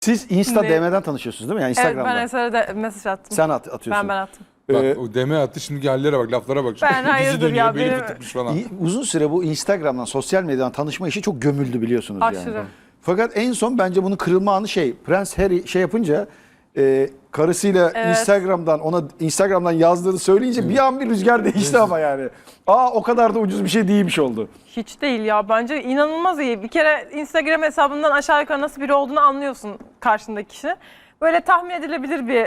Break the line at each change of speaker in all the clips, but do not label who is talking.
Siz Insta DM'den tanışıyorsunuz değil mi? Yani Instagram'da.
Evet, ben Eser'e de mesaj attım.
Sen atıyorsun.
Ben attım.
Bak o deme attı, şimdi hallere bak, laflara bak.
Ben hayırdır
dönüyor,
ya,
beli
benim-
fıtıkmış falan.
Uzun süre bu Instagram'dan, sosyal medyadan tanışma işi çok gömüldü biliyorsunuz
Aşırı.
yani. Fakat en son bence bunun kırılma anı Prens Harry yapınca karısıyla
Evet.
Instagram'dan yazdığını söyleyince bir an bir rüzgar değişti ama yani. O kadar da ucuz bir şey değilmiş oldu.
Hiç değil ya. Bence inanılmaz iyi. Bir kere Instagram hesabından aşağı yukarı nasıl biri olduğunu anlıyorsun karşındaki kişi. Böyle tahmin edilebilir bir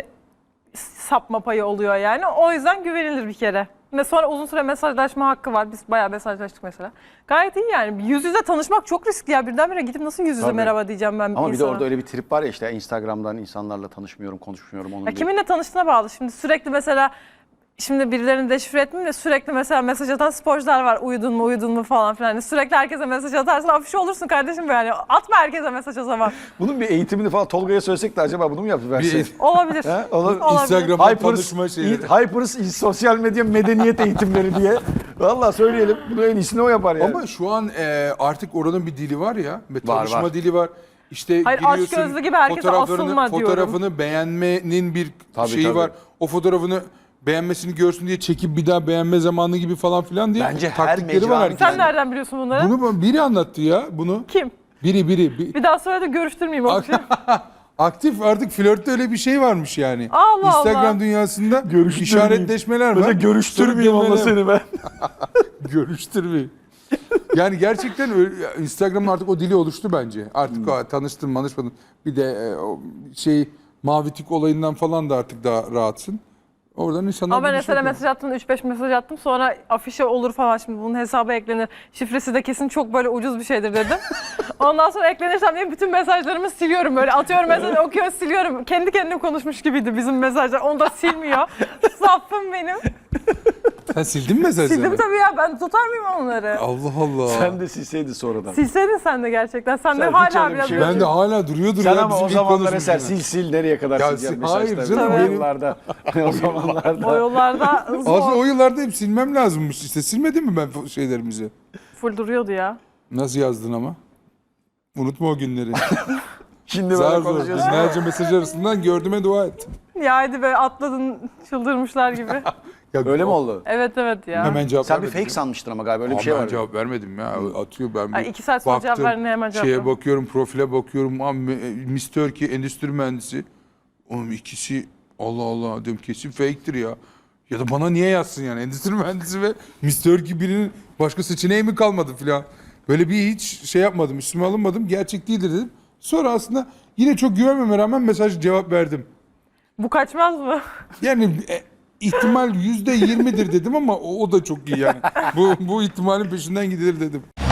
sapma payı oluyor yani. O yüzden güvenilir bir kere. Ve sonra uzun süre mesajlaşma hakkı var. Biz bayağı mesajlaştık mesela. Gayet iyi yani. Yüz yüze tanışmak çok riskli ya. Birdenbire gidip nasıl yüz yüze
Tabii.
merhaba diyeceğim ben bir
Ama bir de
insana.
orada öyle bir trip var ya, işte Instagram'dan insanlarla tanışmıyorum, konuşmuyorum onun
Ya
diye.
kiminle tanıştığına bağlı. Şimdi sürekli mesela birilerini deşifre etmeyeyim de sürekli mesela mesaj atan sporcular var. Uyudun mu falan filan. Yani sürekli herkese mesaj atarsın, afişe olursun kardeşim yani. Atma herkese mesaj o zaman.
Bunun bir eğitimini falan Tolga'ya söylesek de acaba bunu mu yaptı verse?
Olabilir.
Ha, olabilir.
Olabilir.
Instagram'dan tanışma şeyleri.
Hypers sosyal medya medeniyet eğitimleri diye. Vallahi söyleyelim. Bunu en iyisini o yapar yani.
Ama şu an artık oranın bir dili var ya. Ve
Var,
tanışma
var.
dili var. İşte
Hayır,
giriyorsun,
aşk gözlü gibi herkese asılma diyorum.
fotoğrafını beğenmenin bir
Tabii,
şeyi
tabii.
var. O fotoğrafını beğenmesini görsün diye çekip bir daha beğenme zamanı gibi falan filan diye
Bence her
taktikleri var
mecranın-
herkesin.
Sen nereden biliyorsun bunları?
Bunu biri anlattı ya bunu.
Kim?
Biri.
Bir daha söyle de görüştürmeyeyim o kişiyi.
Aktif artık flörtte öyle bir şey varmış yani.
Allah
Instagram
Allah.
dünyasında
Görüştürmeyeyim.
işaretleşmeler var.
Mesela görüştürmeyeyim onunla seni ben.
Görüştürmeyeyim. Yani gerçekten Instagram'ın artık o dili oluştu bence. Artık tanıştın, manışmadın. Bir de o mavi tik olayından falan da artık daha rahatsın. Oradan insanlar...
Ama ben
buluşuyor.
mesela mesaj attım, 3-5 mesaj attım. Sonra afişe olur falan, şimdi bunun hesaba eklenir. Şifresi de kesin çok böyle ucuz bir şeydir dedim. Ondan sonra eklenirsem diye bütün mesajlarımı siliyorum. Böyle atıyorum mesajı, okuyor, siliyorum. Kendi kendine konuşmuş gibiydi bizim mesajlar. Onu da silmiyor. Safım benim.
Sen sildin mi mesajları?
Sildim tabii ya, ben tutar mıyım onları?
Allah Allah.
Sen de silseydin sonradan.
Silseydin sen de gerçekten. Sen de
Sen hiç
hala
öyle bir
biraz...
şey yok.
Ben de hala duruyordur
Sen
ya.
ama
bizim
o
ilk
zamanlar Eser
konuşmuşuz.
sil nereye kadar
Ya
sileceğim
hayır
mesajları.
canım,
O
benim-
yıllarda. O zamanlarda.
O yollarda
Aslında
zor.
o yıllarda hep silmem lazımmış işte. Silmedin mi ben şeylerimizi?
Full duruyordu ya.
Nasıl yazdın ama? Unutma o günleri.
Şimdi
Zar
böyle
zor.
konuşuyorsun.
Binlerce mesaj arasından gördüğüme dua et.
Ya hadi be, atladın çıldırmışlar gibi.
Ya,
Öyle mi oldu?
Evet ya.
Hemen cevap
Sen bir
vermedim
fake
ya.
sanmıştın ama galiba öyle bir
Ama
şey
ben
var.
cevap vermedim ya. Atıyor ben bir
Ay, 2 saat sonra cevap verdin, hemen cevap
şeye
ver.
bakıyorum, profile bakıyorum. Miss Turkey endüstri mühendisi. Oğlum ikisi Allah Allah diyorum, kesin fake'tir ya. Ya da bana niye yazsın yani, endüstri mühendisi ve Miss Turkey, birinin başka seçeneği mi kalmadı filan. Böyle bir hiç şey yapmadım, üstüme alınmadım. Gerçek değildir dedim. Sonra aslında yine çok güvenmeme rağmen mesaj cevap verdim.
Bu kaçmaz mı?
Yani ihtimal %20'dir dedim ama o da çok iyi yani. Bu ihtimalin peşinden gidilir dedim.